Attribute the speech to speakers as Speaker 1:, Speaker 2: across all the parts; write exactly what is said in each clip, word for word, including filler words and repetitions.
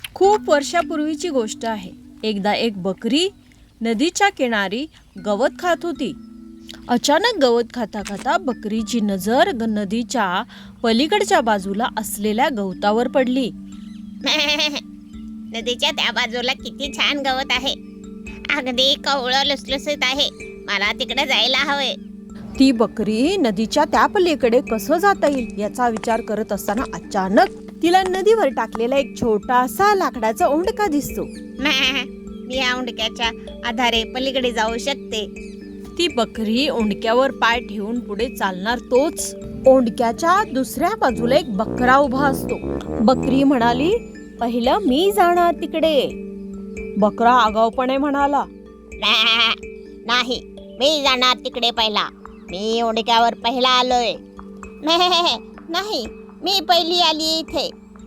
Speaker 1: खूप वर्षापूर्वीची गोष्ट आहे. एकदा एक बकरी नदीच्या किनारी गवत खात होती. अचानक गवत खाता खाता बकरीची नजर ग- नदीच्या पलीकडच्या बाजूला असलेल्या गवतावर पडली.
Speaker 2: नदीच्या त्या बाजूला किती छान गवत आहे. अगदी कवळं लुसलुसीत आहे. मला तिकडे जायला हवे.
Speaker 1: ती बकरी नदीच्या त्या पलीकडे कसं जाता येईल याचा विचार करत असताना अचानक तिला नदीवर टाकलेला एक छोटासा लाकडाचा ओंडका दिसतो.
Speaker 2: मी या उंडक्याच्या आधारे पलीकडे जाऊ शकते.
Speaker 1: ती बकरी ओंडक्यावर पाय ठेवून पुढे चालणार तोच ओंडक्याच्या दुसऱ्या बाजूला एक बकरा उभा असतो. बकरी म्हणाली, पहिलं मी जाणार तिकडे. बकरा आगाऊपणे म्हणाला,
Speaker 2: नाही, मी जाणार तिकडे पहिला. मी उंडक्यावर पहिला आलोय. नाही, मी पहिली आली इथे.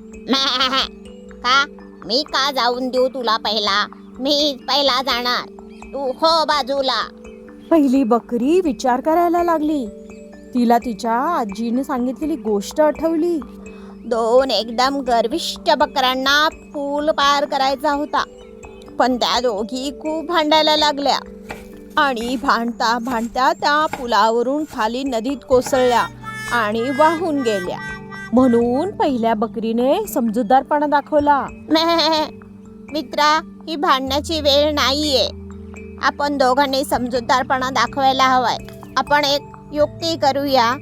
Speaker 2: का मी का जाऊन देऊ तुला पहिला? मी पहिला जाणार, तू हो बाजूला.
Speaker 1: पहिली बकरी विचार करायला लागली. तिला तिच्या आजीने सांगितलेली गोष्ट आठवली.
Speaker 2: दोन एकदम गर्विष्ठ बकऱ्यांना पूल पार करायचा होता, पण त्या दोघी खूप भांडायला लागल्या
Speaker 1: आणि भांडता भांडता त्या पुलावरून खाली नदीत कोसळल्या आणि वाहून गेल्या. म्हणून पहिल्या बकरीने समजूतदारपणा दाखवला.
Speaker 2: मित्रा, ही भांडण्याची वेळ नाहीये. आपण दोघांनी समजूतदारपणा दाखवायला हवाय. आपण एक युक्ती करूया.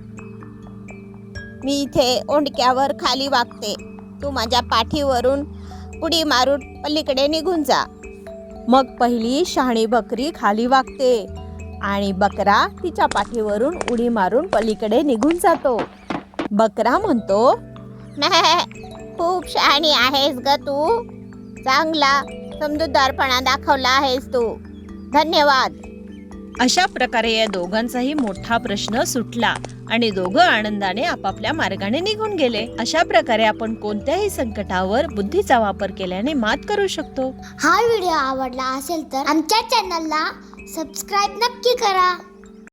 Speaker 2: मी इथे ओंडक्यावर खाली वागते. तू माझ्या पाठीवरून उडी मारून पलीकडे निघून जा.
Speaker 1: मग पहिली शहाणी बकरी खाली वागते आणि बकरा तिच्या पाठीवरून उडी मारून पलीकडे निघून जातो. बकरा म्हणतो,
Speaker 2: खूप शहाणी आहेस ग तू. चांगला समजूतदारपणा दाखवला आहेस तू. धन्यवाद.
Speaker 1: अशा प्रकारे या दोघांचाही मोठा प्रश्न सुटला आणि दोघं आनंदाने आपापल्या मार्गाने निघून गेले. अशा प्रकारे आपण कोणत्याही संकटावर बुद्धीचा वापर केल्याने मात करू शकतो.
Speaker 3: हा व्हिडिओ आवडला असेल तर आमच्या चॅनलला सबस्क्राईब नक्की करा.